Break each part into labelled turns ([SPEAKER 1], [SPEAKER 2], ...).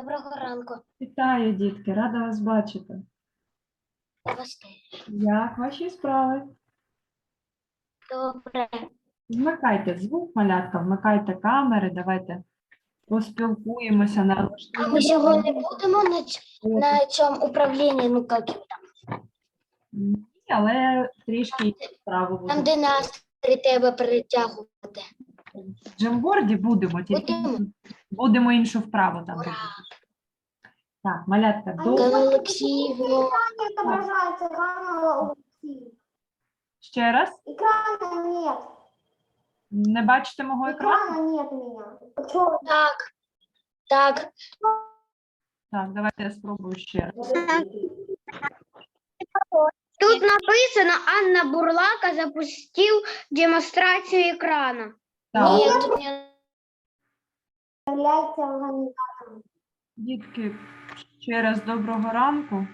[SPEAKER 1] Доброго ранку.
[SPEAKER 2] Вітаю, дітки, рада вас бачити.
[SPEAKER 1] Я вас теж.
[SPEAKER 2] Як ваші справи?
[SPEAKER 1] Добре.
[SPEAKER 2] Вмикайте звук, малятка, вмикайте камери, давайте поспілкуємося,
[SPEAKER 1] А ми
[SPEAKER 2] налаштуємо.
[SPEAKER 1] сьогодні будемо на цьому управлінні, ну як його там,
[SPEAKER 2] Ні, але трішки справу
[SPEAKER 1] там,
[SPEAKER 2] буде.
[SPEAKER 1] де настрій треба перетягувати.
[SPEAKER 2] В джемборді будемо, тільки
[SPEAKER 1] Будемо.
[SPEAKER 2] будемо іншу вправу там
[SPEAKER 1] Ура!
[SPEAKER 2] робити. Так, малятка,
[SPEAKER 1] Галина Олексіївна.
[SPEAKER 3] Отображается экрана.
[SPEAKER 2] ще раз.
[SPEAKER 3] Экрана нет.
[SPEAKER 2] Не бачите мого екрану?
[SPEAKER 3] Экрана нет у меня. Почему?
[SPEAKER 1] Так. Так.
[SPEAKER 2] Так, давайте я спробую ще раз.
[SPEAKER 4] Тут написано, Анна Бурлака запустил демонстрацию экрана.
[SPEAKER 2] Так,
[SPEAKER 1] Ні, тут не...
[SPEAKER 3] Является организатором.
[SPEAKER 2] дітки, ще раз доброго ранку.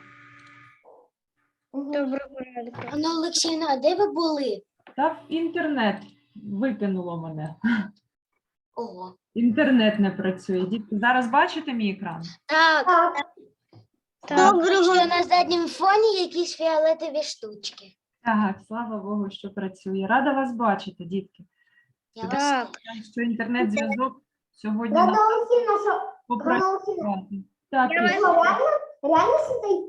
[SPEAKER 4] Доброго ранку.
[SPEAKER 1] Ганна Олексіївна, а де ви були?
[SPEAKER 2] Та в інтернет викинуло мене.
[SPEAKER 1] Ого.
[SPEAKER 2] Інтернет не працює. Дітки, зараз бачите мій екран?
[SPEAKER 1] Так.
[SPEAKER 3] Так.
[SPEAKER 1] Що на задньому фоні якісь фіолетові штучки.
[SPEAKER 2] Так, слава Богу, що працює. Рада вас бачити, дітки.
[SPEAKER 1] Я вас
[SPEAKER 4] Так.
[SPEAKER 2] Що інтернет-зв'язок сьогодні
[SPEAKER 3] Рада
[SPEAKER 2] нам
[SPEAKER 3] Алексеевна, что
[SPEAKER 2] попрацювати. Так,
[SPEAKER 4] Я
[SPEAKER 2] Ір,
[SPEAKER 3] реально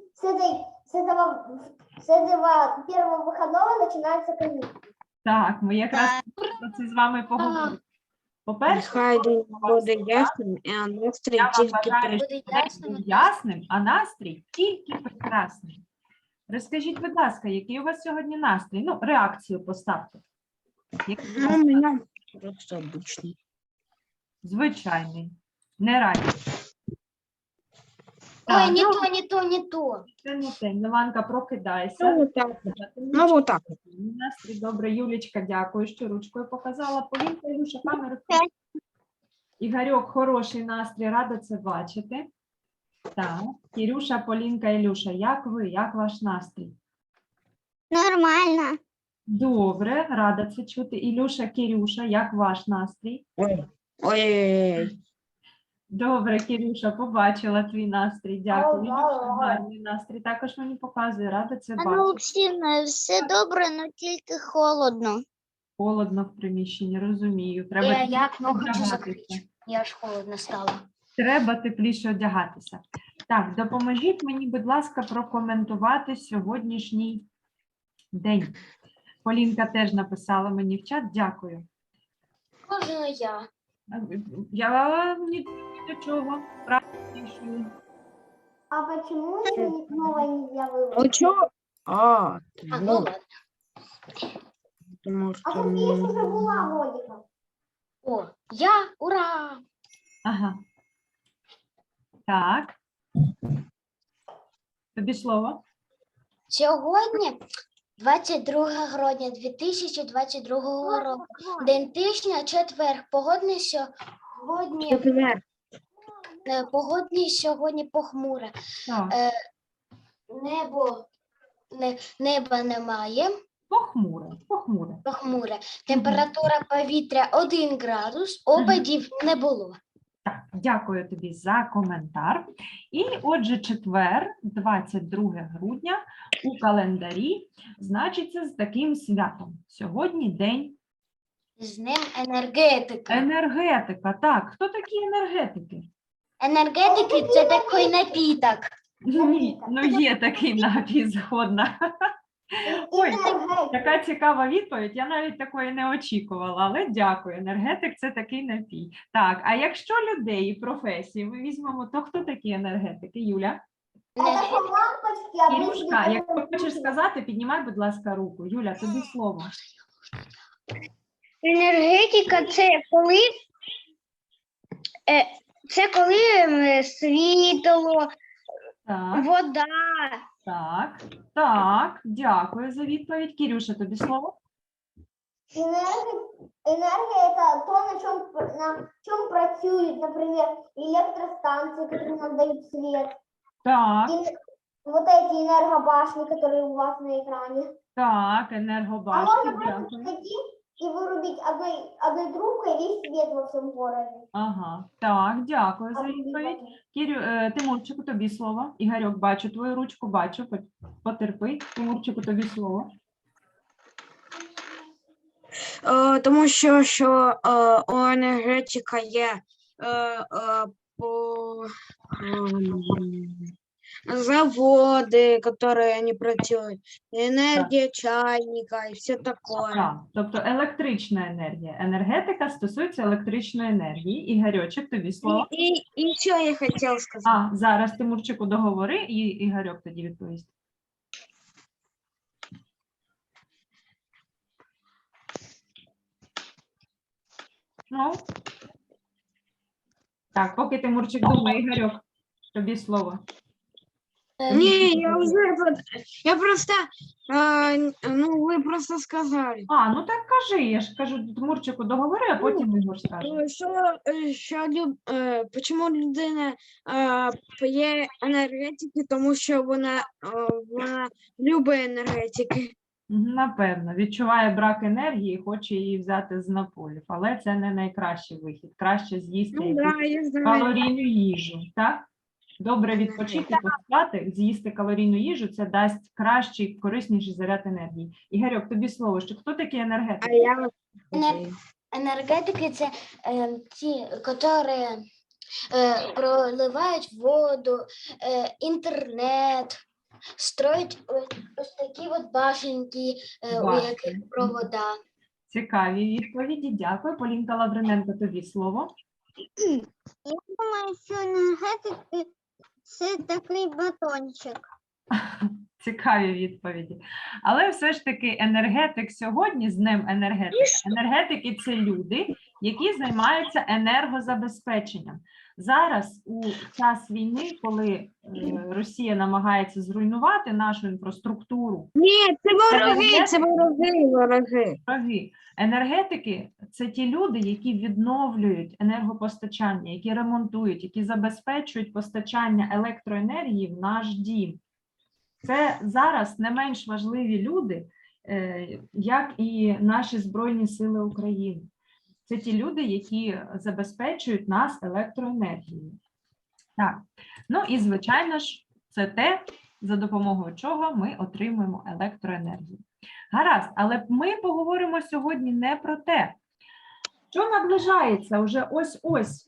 [SPEAKER 3] с этого первого выходного начинается каникулы.
[SPEAKER 2] так, ми якраз про це з вами поговоримо. По-перше,
[SPEAKER 5] Нехай день буде ясним, і настрій
[SPEAKER 2] я вам
[SPEAKER 5] тільки
[SPEAKER 2] бажаю,
[SPEAKER 1] Буде
[SPEAKER 2] щоб день
[SPEAKER 1] ясним.
[SPEAKER 2] був ясним, а настрій тільки прекрасний. Розкажіть, будь ласка, який у вас сьогодні настрій? Ну, реакцію поставте. Який у
[SPEAKER 5] Ну,
[SPEAKER 2] вас
[SPEAKER 5] у мене просто обичний.
[SPEAKER 2] звичайний, не радий.
[SPEAKER 1] Ой, не то, не то, не то.
[SPEAKER 2] Це не те. Міланка, прокидайся.
[SPEAKER 5] Ну, отак. Ну, отак.
[SPEAKER 2] Настрій добре. Юлічка, дякую, що ручкою показала. Полінка, Ілюша, камеру. Ігорьок, хороший настрій, рада це бачити. Так, Кірюша, Полінка, Ілюша, як ви? Як ваш настрій?
[SPEAKER 4] Нормально.
[SPEAKER 2] Добре, рада це чути. Ілюша, Кірюша, як ваш настрій?
[SPEAKER 5] Ой. Ой-ой-ой.
[SPEAKER 2] Добре, Кірюша, побачила твій настрій. Дякую.
[SPEAKER 3] Ага.
[SPEAKER 2] Ілюша, гарний настрій. Також мені показує, рада це
[SPEAKER 4] Анна
[SPEAKER 2] бачити.
[SPEAKER 4] Олексіївна, все добре, але тільки холодно.
[SPEAKER 2] Холодно в приміщенні, розумію. Треба
[SPEAKER 1] Я окно хочу
[SPEAKER 2] одягатися.
[SPEAKER 1] закрити. Я аж холодно стало.
[SPEAKER 2] Треба тепліше одягатися. Так, допоможіть мені, будь ласка, прокоментувати сьогоднішній день. Полінка теж написала мені в чат. Дякую.
[SPEAKER 1] Можна я?
[SPEAKER 2] Я ні до чого. Правильно.
[SPEAKER 3] А почему еще новое нельзя
[SPEAKER 5] Ну,
[SPEAKER 3] выбрать?
[SPEAKER 5] чого? А,
[SPEAKER 1] А, ну
[SPEAKER 5] ну,
[SPEAKER 1] ладно.
[SPEAKER 5] тому
[SPEAKER 3] А
[SPEAKER 5] що...
[SPEAKER 3] София ж уже была годика.
[SPEAKER 1] О, я, ура!
[SPEAKER 2] Ага. Так. Тобі слово.
[SPEAKER 1] Сьогодні 22 грудня 2022 року. День тижня, четвер.
[SPEAKER 5] Четвер.
[SPEAKER 1] Погодний сьогодні похмуре.
[SPEAKER 2] Так.
[SPEAKER 1] Неба немає,
[SPEAKER 2] Похмуре. Похмуре.
[SPEAKER 1] похмуре. Температура повітря 1 градус, опадів не було.
[SPEAKER 2] Так, дякую тобі за коментар. І отже, четвер, 22 грудня у календарі значиться з таким святом. Сьогодні день
[SPEAKER 1] З ним енергетика.
[SPEAKER 2] енергетика. Так, хто такі енергетики?
[SPEAKER 1] Енергетики – це такий напіток.
[SPEAKER 2] Ні, ну є такий напій, згодна. Ой,
[SPEAKER 3] Энергетика.
[SPEAKER 2] така цікава відповідь, я навіть такої не очікувала, але дякую. Енергетик – це такий напій. Так, а якщо людей і професії ми візьмемо, то хто такі енергетики? Юля?
[SPEAKER 3] Это же лампочки,
[SPEAKER 2] Ілюшка,
[SPEAKER 3] обычные
[SPEAKER 2] якщо хочеш сказати, піднімай, будь ласка, руку. Юля, тобі слово.
[SPEAKER 4] Енергетика це коли світло,
[SPEAKER 2] Так,
[SPEAKER 4] вода.
[SPEAKER 2] так, так, дякую за відповідь. Кірюша, тобі слово?
[SPEAKER 3] Энергия это то, на чем працюют, например, электростанции, которые нам дают свет.
[SPEAKER 2] Так,
[SPEAKER 3] И вот эти энергобашни, которые у вас на экране.
[SPEAKER 2] так,
[SPEAKER 3] А
[SPEAKER 2] енергобашти,
[SPEAKER 3] можно просто
[SPEAKER 2] дякую.
[SPEAKER 3] зайти и вырубить одной трубкой весь свет во всем городе.
[SPEAKER 2] Ага, так, дякую за відповідь. Тимурчику, тобі слово. Ігорьок, бачу твою ручку, бачу. Потерпи. Тимурчику, тобі слово.
[SPEAKER 5] Тому що у енергетика є по заводи, які не працюють, енергія чайника і все таке.
[SPEAKER 2] Так, тобто електрична енергія. Енергетика стосується електричної енергії. Ігорьочок, тобі слово.
[SPEAKER 5] І що я хотів сказати?
[SPEAKER 2] А, зараз Тимурчику договори, і Ігорьок тоді відповість. Ну. Так, поки Тимурчик думає, Ігорьок, тобі слово.
[SPEAKER 5] Ні, я просто, ну, ви просто сказали.
[SPEAKER 2] А, ну так кажи, я ж кажу Тимурчику договори, а потім Ігор скаже.
[SPEAKER 5] Чому людина п'є енергетики, тому що вона любить енергетики.
[SPEAKER 2] Напевно, відчуває брак енергії і хоче її взяти з наполів, але це не найкращий вихід. Краще з'їсти
[SPEAKER 5] Ну,
[SPEAKER 2] якусь
[SPEAKER 5] да, я знаю.
[SPEAKER 2] калорійну їжу, так? Добре відпочити, поспати, з'їсти калорійну їжу, це дасть кращий, корисніший заряд енергії. Ігорьок, тобі слово, що хто такий енергетик?
[SPEAKER 5] А я
[SPEAKER 1] Энергетики це ті, які проливають воду, інтернет, строять ось такі от башенки, у
[SPEAKER 2] Башенки.
[SPEAKER 1] яких провода.
[SPEAKER 2] Цікаві відповіді, дякую. Полінка Лавриненко, тобі слово.
[SPEAKER 4] Я думаю, що енергетики це такий батончик.
[SPEAKER 2] Цікаві відповіді. Але все ж таки енергетик сьогодні, з Днем енергетики. Енергетики – це люди, які займаються енергозабезпеченням. Зараз у час війни, коли Росія намагається зруйнувати нашу інфраструктуру,
[SPEAKER 5] Ні, це вороги.
[SPEAKER 2] вороги. Енергетики – це ті люди, які відновлюють енергопостачання, які ремонтують, які забезпечують постачання електроенергії в наш дім. Це зараз не менш важливі люди, як і наші Збройні Сили України. Це ті люди, які забезпечують нас електроенергією. Так, ну і звичайно ж, це те, за допомогою чого ми отримуємо електроенергію. Гаразд, але ми поговоримо сьогодні не про те, що наближається вже ось-ось.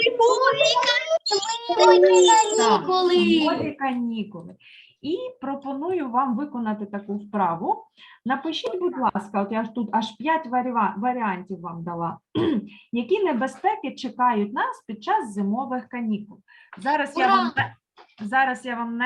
[SPEAKER 2] Зимові канікули. І пропоную вам виконати таку вправу. Напишіть, будь ласка, от я ж тут аж 5 варіантів вам дала. Які небезпеки чекають нас під час зимових канікул? Зараз я вам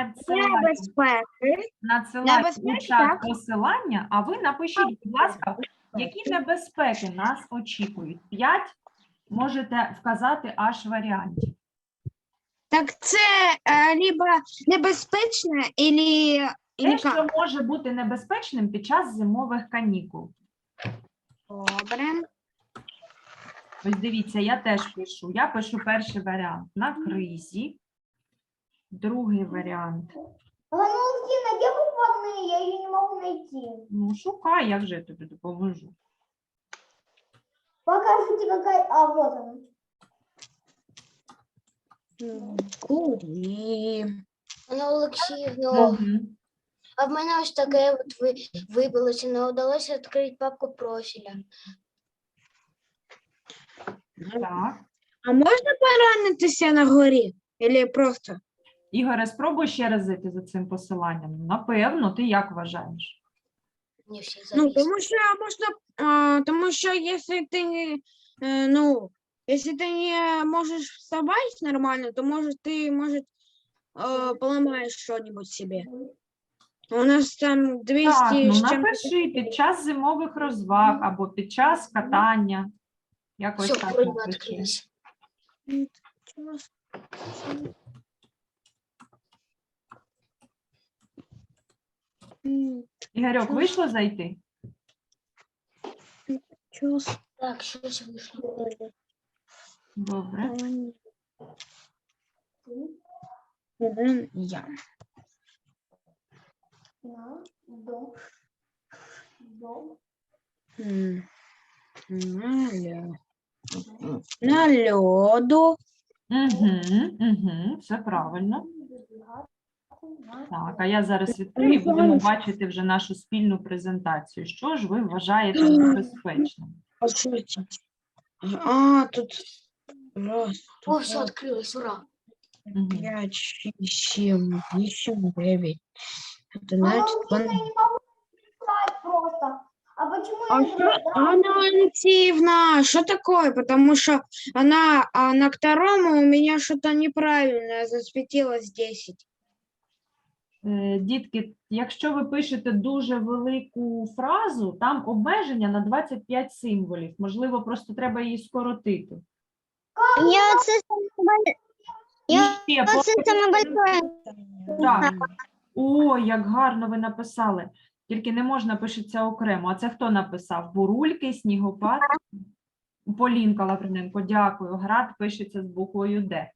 [SPEAKER 2] надсилаю у чат посилання, а ви напишіть, будь ласка, які небезпеки нас очікують. 5 можете вказати аж варіантів.
[SPEAKER 5] Так це либо небезпечно,
[SPEAKER 2] Те, що може бути небезпечним під час зимових канікул.
[SPEAKER 5] Добре.
[SPEAKER 2] Ось дивіться, я теж пишу. Я пишу перший варіант на кризі, другий варіант.
[SPEAKER 3] Валентина, где выходные? Я ее не могу найти.
[SPEAKER 2] Ну, шукай, я вже тобі допоможу.
[SPEAKER 3] Покажите, какая... А, вот она.
[SPEAKER 5] Курі.
[SPEAKER 1] Анна Олексіївна,
[SPEAKER 2] Мгм.
[SPEAKER 1] а в мене ось таке от вибилося, не вдалося відкрити папку профіля.
[SPEAKER 2] Так.
[SPEAKER 5] А можна поранитися на горі? Или просто?
[SPEAKER 2] Ігоре, спробуй ще раз зайти за цим посиланням. Напевно, ти як вважаєш?
[SPEAKER 1] Мені всі
[SPEAKER 5] Ну,
[SPEAKER 1] завісли.
[SPEAKER 5] тому що якщо ти если ты не можешь вставать нормально, то может поломаешь что-нибудь себе. У нас там 200
[SPEAKER 2] Так, ну
[SPEAKER 5] з чим-то.
[SPEAKER 2] напиши під час зимових розваг або під час катання. Якось
[SPEAKER 1] Все,
[SPEAKER 2] так
[SPEAKER 1] вроде
[SPEAKER 2] напиши.
[SPEAKER 1] відкрилось.
[SPEAKER 2] Ігорьок, вийшло зайти?
[SPEAKER 1] Так, щось вийшло.
[SPEAKER 2] Добре.
[SPEAKER 5] Я.
[SPEAKER 3] На, до.
[SPEAKER 5] М. На льоду.
[SPEAKER 2] Все правильно. Так, а я зараз відкрию і будемо бачити вже нашу спільну презентацію. Що ж ви вважаєте небезпечним?
[SPEAKER 5] А, тут раз,
[SPEAKER 1] О, все открылось, ура.
[SPEAKER 2] Мгм.
[SPEAKER 5] 5, 6, 7, 8, 9. Это
[SPEAKER 3] Мама,
[SPEAKER 5] значит,
[SPEAKER 3] учиться я не могу читать просто. А почему я
[SPEAKER 5] А
[SPEAKER 3] не
[SPEAKER 5] что,
[SPEAKER 3] знаю?
[SPEAKER 5] Анна Алексеевна, что такое? Потому что она на втором у меня что-то неправильное, засветилось 10.
[SPEAKER 2] Дітки, якщо ви пишете дуже велику фразу, там обмеження на 25 символів. Можливо, просто треба її скоротити.
[SPEAKER 4] Я це
[SPEAKER 2] І
[SPEAKER 4] Я
[SPEAKER 2] ще
[SPEAKER 4] це саме большое.
[SPEAKER 2] Так. О, як гарно ви написали. Тільки не можна пишеться окремо. А це хто написав? Бурульки, снігопад? Полінка Лавриненко, дякую. Град пишеться з буквою Д.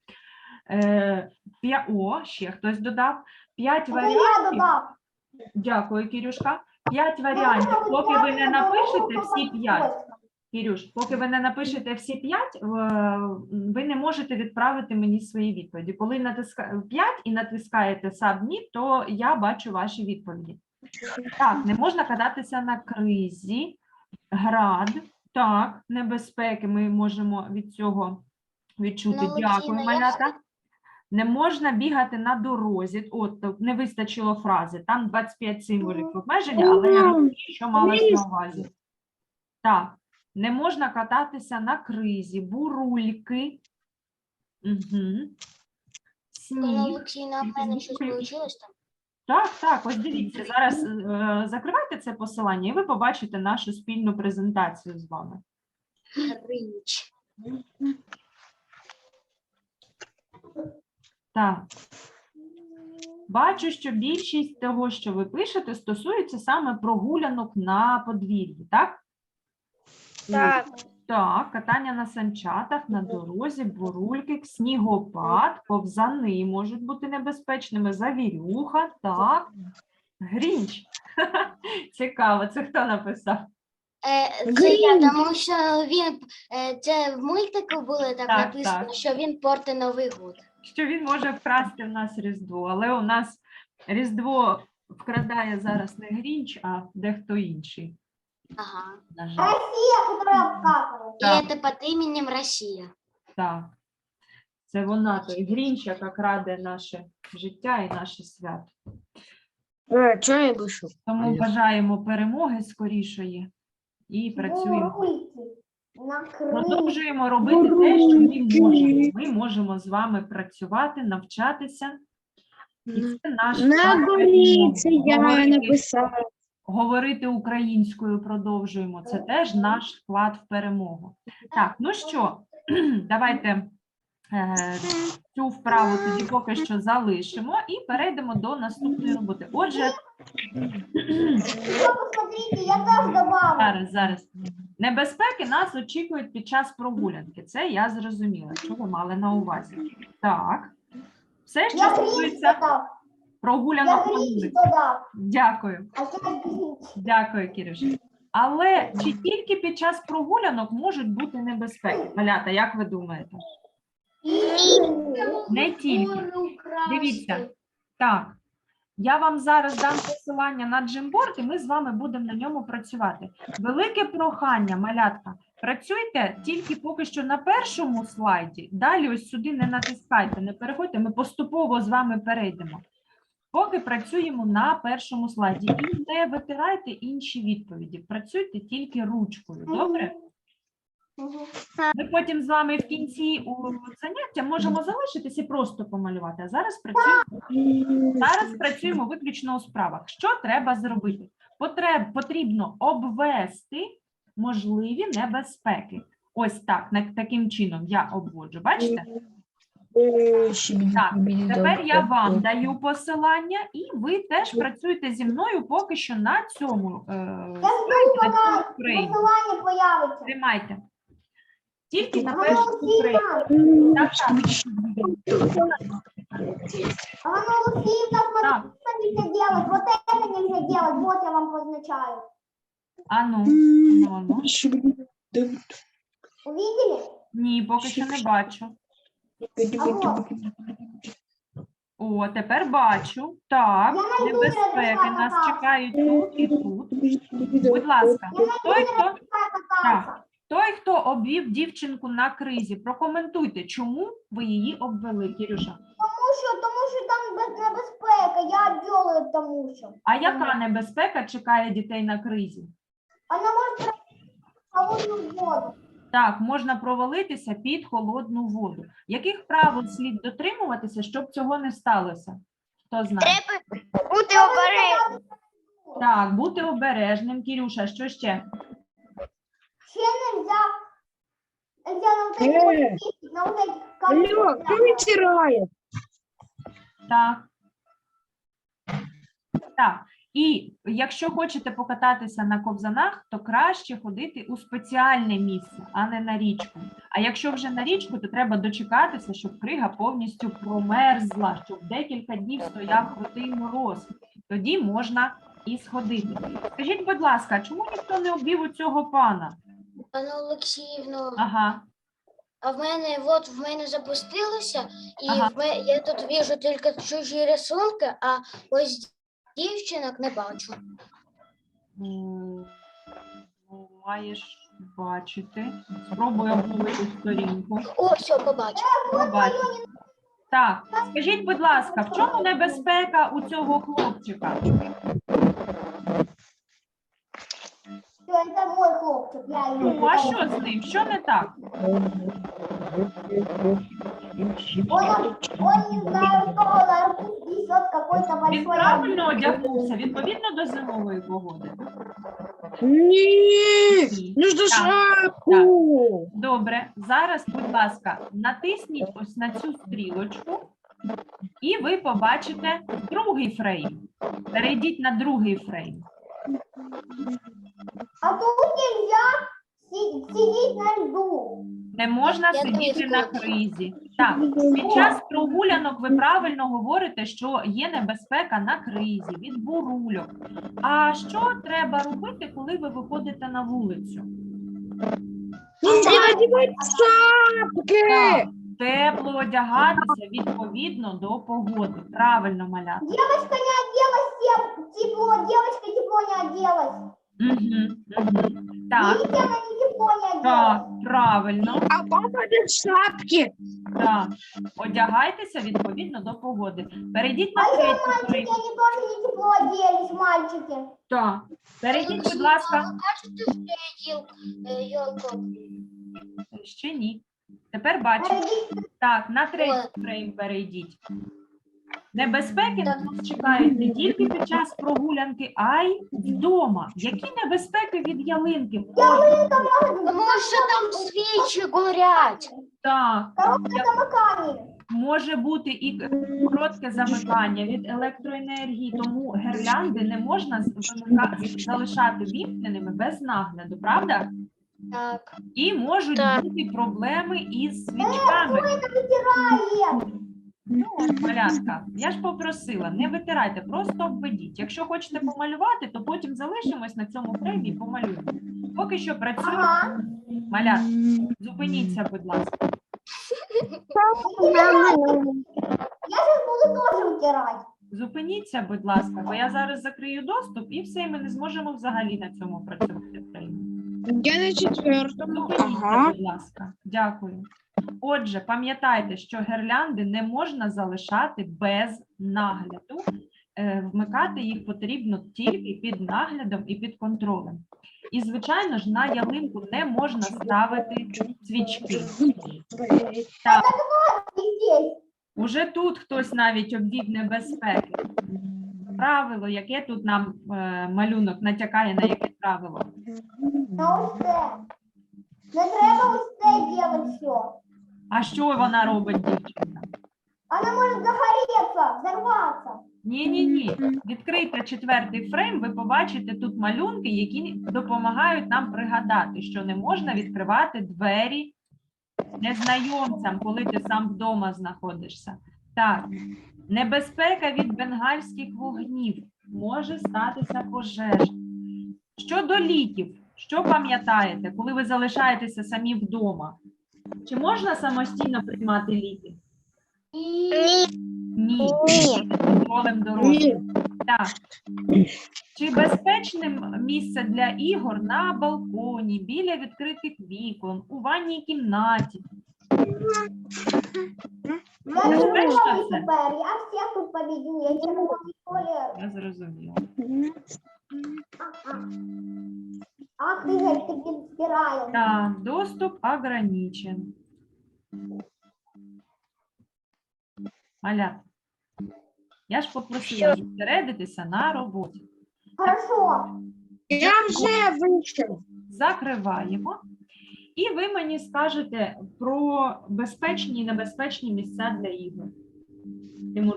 [SPEAKER 2] О, ще хтось додав. 5
[SPEAKER 3] Это я
[SPEAKER 2] варіантів.
[SPEAKER 3] додав.
[SPEAKER 2] Дякую, Кірюшка. 5 варіантів. Поки ви не напишете всі 5. Кірюш, поки ви не напишете всі 5, ви не можете відправити мені свої відповіді. Коли натискаєте 5 і натискаєте Submit, то я бачу ваші відповіді. Так, не можна кататися на кризі, град, так, небезпеки ми можемо від цього відчути.
[SPEAKER 1] Ну,
[SPEAKER 2] Дякую,
[SPEAKER 1] Олексійна, я
[SPEAKER 2] малята. Не можна бігати на дорозі. От, не вистачило фрази. Там 25 символів обмеження, але я розумію, що малось на увазі. Так, не можна кататися на кризі, бурульки. Угу. Сніг.
[SPEAKER 1] Олексійна, в мене щось вийшло там.
[SPEAKER 2] Так, ось дивіться. Зараз закривайте це посилання, і ви побачите нашу спільну презентацію з вами.
[SPEAKER 1] Гринч.
[SPEAKER 2] Так. Бачу, що більшість того, що ви пишете, стосується саме прогулянок на подвір'ї, так?
[SPEAKER 5] Так.
[SPEAKER 2] Так, катання на санчатах, на дорозі, бурульки, снігопад, повзани можуть бути небезпечними, завірюха, так. Грінч. Цікаво, це хто написав?
[SPEAKER 1] Це я, тому що він, це в мультику було так
[SPEAKER 2] Так,
[SPEAKER 1] написано,
[SPEAKER 2] так.
[SPEAKER 1] що він порти Новий год.
[SPEAKER 2] Що він може вкрасти в нас Різдво, але у нас Різдво вкрадає зараз не Грінч, а дехто інший.
[SPEAKER 1] Ага.
[SPEAKER 2] На жаль.
[SPEAKER 3] Россия, которая обкакивает.
[SPEAKER 1] І
[SPEAKER 2] Так.
[SPEAKER 1] це під іменем Росія.
[SPEAKER 2] Так, це вона, той Грінч, яка краде наше життя і наше свято.
[SPEAKER 5] Что я вышел?
[SPEAKER 2] Тому бажаємо перемоги скорішої і працюємо.
[SPEAKER 3] Бурульки. На крыше.
[SPEAKER 2] Продовжуємо робити те, що ми можемо. Ми можемо з вами працювати, навчатися. І це наш
[SPEAKER 5] На
[SPEAKER 2] вклад в
[SPEAKER 5] горице
[SPEAKER 2] перемогу.
[SPEAKER 5] я написала.
[SPEAKER 2] Говорити українською продовжуємо. Це теж наш вклад в перемогу. Так, ну що, давайте цю вправу тоді поки що залишимо і перейдемо до наступної роботи. Отже,
[SPEAKER 3] Еще посмотрите, я тоже добавлю.
[SPEAKER 2] зараз. Небезпеки нас очікують під час прогулянки. Це я зрозуміла, що ви мали на увазі. Так. Все, що
[SPEAKER 3] Я гринч
[SPEAKER 2] стосується
[SPEAKER 3] додав. Я
[SPEAKER 2] прогулянок по
[SPEAKER 3] гринч
[SPEAKER 2] вулиці.
[SPEAKER 3] додав.
[SPEAKER 2] Дякую.
[SPEAKER 3] А сейчас гринч.
[SPEAKER 2] Дякую, Кірюша. Але чи тільки під час прогулянок можуть бути небезпеки? Малята, як ви думаєте? Не тільки. Дивіться. Так, я вам зараз дам посилання на Джимборд, і ми з вами будемо на ньому працювати. Велике прохання, малятка, працюйте тільки поки що на першому слайді, далі ось сюди не натискайте, не переходьте, ми поступово з вами перейдемо. Поки працюємо на першому слайді і не витирайте інші відповіді, працюйте тільки ручкою, добре? Ми потім з вами в кінці заняття можемо залишитися і просто помалювати, а зараз працюємо виключно у справах. Що треба зробити? Потрібно обвести можливі небезпеки. Ось так, таким чином я обводжу, бачите? Так, тепер я вам даю посилання, і ви теж працюєте зі мною поки що на цьому
[SPEAKER 3] Я жду, пока
[SPEAKER 2] скрейні.
[SPEAKER 3] посылание появится.
[SPEAKER 2] Тримайте. Тільки на
[SPEAKER 3] Ага,
[SPEAKER 2] першому скрейні. Так,
[SPEAKER 3] Анна Лукиевна,
[SPEAKER 2] так.
[SPEAKER 3] что нельзя делать? Вот это нельзя делать. Вот я вам позначаю.
[SPEAKER 2] Ану.
[SPEAKER 3] Увидели?
[SPEAKER 2] Ні, поки що не бачу.
[SPEAKER 3] А вот.
[SPEAKER 2] О, тепер бачу. Так,
[SPEAKER 3] Я найду
[SPEAKER 2] небезпеки
[SPEAKER 3] рядом
[SPEAKER 2] нас
[SPEAKER 3] катався.
[SPEAKER 2] чекають тут і тут. Будь ласка, той, хто, так, той, хто обвів дівчинку на кризі, прокоментуйте, чому ви її обвели, Кірюша?
[SPEAKER 3] Тому що там небезпека, я обвела тому що.
[SPEAKER 2] А яка небезпека чекає дітей на кризі?
[SPEAKER 3] Вона може холодну воду.
[SPEAKER 2] Так, можна провалитися під холодну воду. Яких правил слід дотримуватися, щоб цього не сталося? Хто знає?
[SPEAKER 4] Треба бути обережним.
[SPEAKER 2] Так, бути обережним. Кірюша, що ще?
[SPEAKER 3] Ще нельзя на вот эти вот кисти, на вот эти
[SPEAKER 5] Алло, кто вытирает?
[SPEAKER 2] Так. Так. І якщо хочете покататися на ковзанах, то краще ходити у спеціальне місце, а не на річку. А якщо вже на річку, то треба дочекатися, щоб крига повністю промерзла, щоб декілька днів стояв крутий мороз. Тоді можна і сходити. Скажіть, будь ласка, чому ніхто не обвів у цього пана?
[SPEAKER 1] Пане Олексіївно,
[SPEAKER 2] Ага.
[SPEAKER 1] а в мене запустилося, і
[SPEAKER 2] Ага.
[SPEAKER 1] я тут вижу тільки чужі рисунки, а ось дівчинок не бачу.
[SPEAKER 2] Ну, маєш бачити. Спробуй обновити сторінку.
[SPEAKER 1] О, все, побачив.
[SPEAKER 2] Побачиш. Так, скажіть, будь ласка, в чому небезпека у цього хлопчика?
[SPEAKER 3] Все, это мой хлопчик, я его.
[SPEAKER 2] Ну, а що з ним? Що не так?
[SPEAKER 3] Он не знаю, что он арбуз несет какой-то
[SPEAKER 2] Він
[SPEAKER 3] большой
[SPEAKER 2] правильно одягнувся, відповідно до зимової погоди.
[SPEAKER 5] Нет,
[SPEAKER 2] Ні.
[SPEAKER 5] нужно
[SPEAKER 2] Так,
[SPEAKER 5] шапку.
[SPEAKER 2] Добре, зараз, будь ласка, натисніть ось на цю стрілочку, і ви побачите другий фрейм. Перейдіть на другий фрейм.
[SPEAKER 3] А тут нельзя сидеть на льду.
[SPEAKER 2] Не можна
[SPEAKER 1] Я
[SPEAKER 2] сидіти
[SPEAKER 1] теж
[SPEAKER 2] на
[SPEAKER 1] хочу.
[SPEAKER 2] кризі. Так, під час прогулянок ви правильно говорите, що є небезпека на кризі, від бурульок. А що треба робити, коли ви виходите на вулицю?
[SPEAKER 5] Нужно одевать шапки.
[SPEAKER 2] Так, тепло одягатися відповідно до погоди. Правильно, малята.
[SPEAKER 3] Девочка не оделась тепло, девочка тепло не оделась.
[SPEAKER 2] Угу, угу. Так,
[SPEAKER 3] Видите, она не тепло не
[SPEAKER 2] так,
[SPEAKER 3] оделась.
[SPEAKER 2] правильно.
[SPEAKER 5] А папа без шапки.
[SPEAKER 2] Так. Одягайтеся відповідно до погоди. Перейдіть
[SPEAKER 3] А
[SPEAKER 2] на
[SPEAKER 3] еще
[SPEAKER 2] третій
[SPEAKER 3] мальчики,
[SPEAKER 2] фрейм.
[SPEAKER 3] они тоже не тепло оделись, мальчики.
[SPEAKER 2] Так. Перейдіть, будь ласка.
[SPEAKER 1] Ви бачите, що я йолку?
[SPEAKER 2] Ще ні. Тепер бачите.
[SPEAKER 3] Перейдите.
[SPEAKER 2] Так, на третій
[SPEAKER 1] Ой.
[SPEAKER 2] фрейм перейдіть. Небезпеки
[SPEAKER 1] Так.
[SPEAKER 2] нас чекають не тільки під час прогулянки, а й вдома. Які небезпеки від ялинки? Ой,
[SPEAKER 1] Тому що там свічі горять.
[SPEAKER 2] так,
[SPEAKER 3] Коробка замыкания.
[SPEAKER 2] може бути і коротке замикання від електроенергії, тому гірлянди не можна залишати вімкненими без нагляду, правда?
[SPEAKER 1] Так.
[SPEAKER 2] І можуть
[SPEAKER 5] Так.
[SPEAKER 2] бути проблеми із свічками.
[SPEAKER 3] Это вытирает.
[SPEAKER 2] Ну, от, малятка, я ж попросила, не витирайте, просто обведіть. Якщо хочете помалювати, то потім залишимось на цьому фреймі і помалюємо. Поки що працюємо.
[SPEAKER 3] Ага.
[SPEAKER 2] Малятка, зупиніться, будь ласка.
[SPEAKER 3] Я сейчас буду тоже вытирать.
[SPEAKER 2] Зупиніться, будь ласка, бо я зараз закрию доступ і все, і ми не зможемо взагалі на цьому працювати фреймі.
[SPEAKER 5] Я на четвертом.
[SPEAKER 2] Зупиніться,
[SPEAKER 5] Ага.
[SPEAKER 2] будь ласка. Дякую. Отже, пам'ятайте, що гірлянди не можна залишати без нагляду. Вмикати їх потрібно тільки під наглядом і під контролем. І, звичайно ж, на ялинку не можна ставити свічки. Так,
[SPEAKER 3] И здесь.
[SPEAKER 2] уже тут хтось навіть обвів небезпеки. Правило, яке тут нам малюнок натякає, на яке правило?
[SPEAKER 3] На ось це. Не треба ось це делать все.
[SPEAKER 2] А що вона робить, дівчинка?
[SPEAKER 3] Она может загореться, взорваться.
[SPEAKER 2] Ні. Відкрийте четвертий фрейм, ви побачите тут малюнки, які допомагають нам пригадати, що не можна відкривати двері незнайомцям, коли ти сам вдома знаходишся. Так, небезпека від бенгальських вогнів, може статися пожежа. Щодо ліків, Що пам'ятаєте, коли ви залишаєтеся самі вдома? Чи можна самостійно приймати ліки? Ні. Під контролем дорослих. Так. Чи безпечним місце для ігор на балконі, біля відкритих вікон, у ванній кімнаті?
[SPEAKER 3] Я
[SPEAKER 2] Безпечно
[SPEAKER 3] червоний
[SPEAKER 2] це?
[SPEAKER 3] тепер, я всіх тут победю, я червоний колір.
[SPEAKER 2] Я зрозуміла.
[SPEAKER 3] Ах, Ігор, ти підбираєш.
[SPEAKER 2] Так, доступ ограничен. Малята, я ж попросила зосередитися на роботі.
[SPEAKER 3] Хорошо.
[SPEAKER 5] Я вже вийшов.
[SPEAKER 2] Закриваємо. І ви мені скажете про безпечні і небезпечні місця для ігор. Тимур,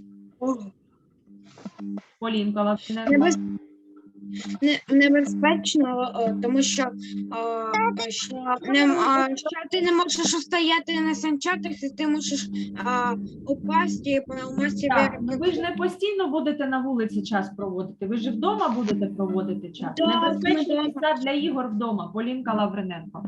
[SPEAKER 2] Полінка, Лавриненко.
[SPEAKER 5] Небезпечно, тому що ти не можеш стояти на санчатах, і ти можеш упасти і поламати
[SPEAKER 2] Так,
[SPEAKER 5] себе.
[SPEAKER 2] ну ви ж не постійно будете на вулиці час проводити, ви ж і вдома будете проводити час.
[SPEAKER 5] Так,
[SPEAKER 2] Небезпечні
[SPEAKER 5] ми
[SPEAKER 2] місця для ігор вдома. Полінка Лавриненко.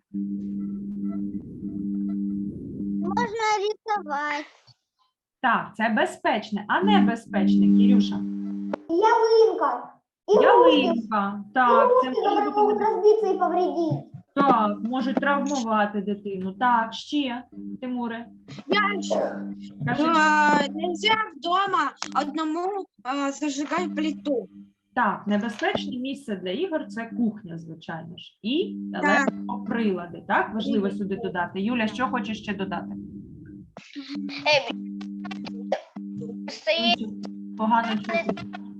[SPEAKER 4] Можна рисувати.
[SPEAKER 2] Так, це безпечне, а небезпечне, Кірюша.
[SPEAKER 3] Ялинка.
[SPEAKER 2] Ялинка. Так, це
[SPEAKER 3] Игрушки,
[SPEAKER 2] може
[SPEAKER 3] которые
[SPEAKER 2] бути
[SPEAKER 3] могут
[SPEAKER 2] небезпечно.
[SPEAKER 3] разбиться и повредить.
[SPEAKER 2] Так, можуть травмувати дитину. Так, ще, Тимуре. Кажи.
[SPEAKER 5] Нельзя вдома одному зажигати плиту.
[SPEAKER 2] Так, небезпечне місце для ігор – це кухня, звичайно ж. І електроприлади. Так, важливо сюди додати. Юля, що хочеш ще додати? Погано чути.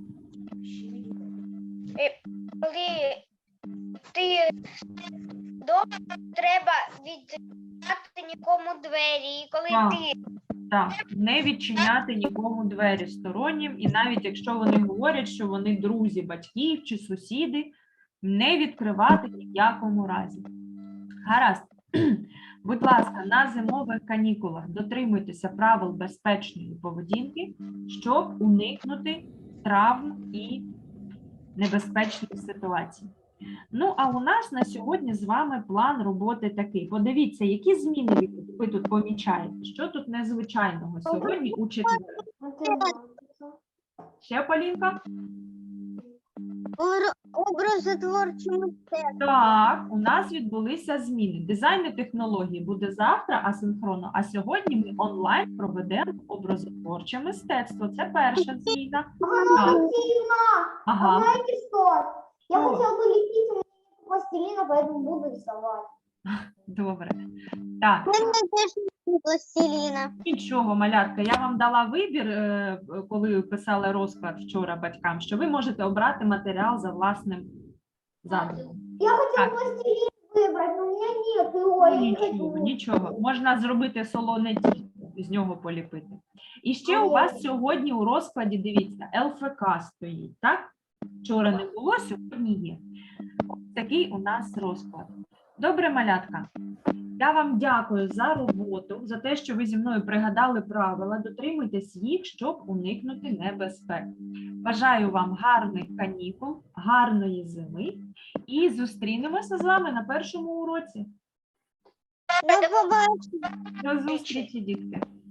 [SPEAKER 1] Коли ти вдома, треба відчиняти нікому двері. І коли
[SPEAKER 2] Так.
[SPEAKER 1] ти
[SPEAKER 2] Так, не відчиняти нікому двері стороннім, і навіть якщо вони говорять, що вони друзі батьків чи сусіди, не відкривати ні в якому разі. Гаразд. Будь ласка, на зимових канікулах дотримуйтеся правил безпечної поведінки, щоб уникнути травм і небезпечних ситуацій. Ну, а у нас на сьогодні з вами план роботи такий. Подивіться, які зміни ви тут помічаєте? Що тут незвичайного сьогодні у четвер? Ще, Полінка?
[SPEAKER 4] Образотворче мистецтво.
[SPEAKER 2] Так, у нас відбулися зміни. Дизайн і технології буде завтра асинхронно, а сьогодні ми онлайн проведемо образотворче мистецтво. Це перша зміна.
[SPEAKER 3] Ага, Васильевна, а
[SPEAKER 2] Ага.
[SPEAKER 3] знаете что? Я
[SPEAKER 2] Что?
[SPEAKER 3] хотела бы лепить, у меня нет пластилина, поэтому буду рисовать.
[SPEAKER 2] Добре. Так,
[SPEAKER 4] Мене теж немає пластиліна.
[SPEAKER 2] нічого, малятка, я вам дала вибір, коли писали розклад вчора батькам, що ви можете обрати матеріал за власним задумом.
[SPEAKER 3] Я хотела
[SPEAKER 2] Так.
[SPEAKER 3] пластилин выбрать, но у меня нет его, я не
[SPEAKER 2] Нічого,
[SPEAKER 3] хочу.
[SPEAKER 2] нічого. Можна зробити солоне тісто, з нього поліпити. І ще у вас сьогодні у розкладі, дивіться, ЛФК стоїть, так? Вчора не було, сьогодні є. Ось такий у нас розклад. Добре, малятка. Я вам дякую за роботу, за те, що ви зі мною пригадали правила, дотримуйтесь їх, щоб уникнути небезпек. Бажаю вам гарних канікул, гарної зими і зустрінемося з вами на першому уроці.
[SPEAKER 4] До побачення.
[SPEAKER 2] До зустрічі, дітки!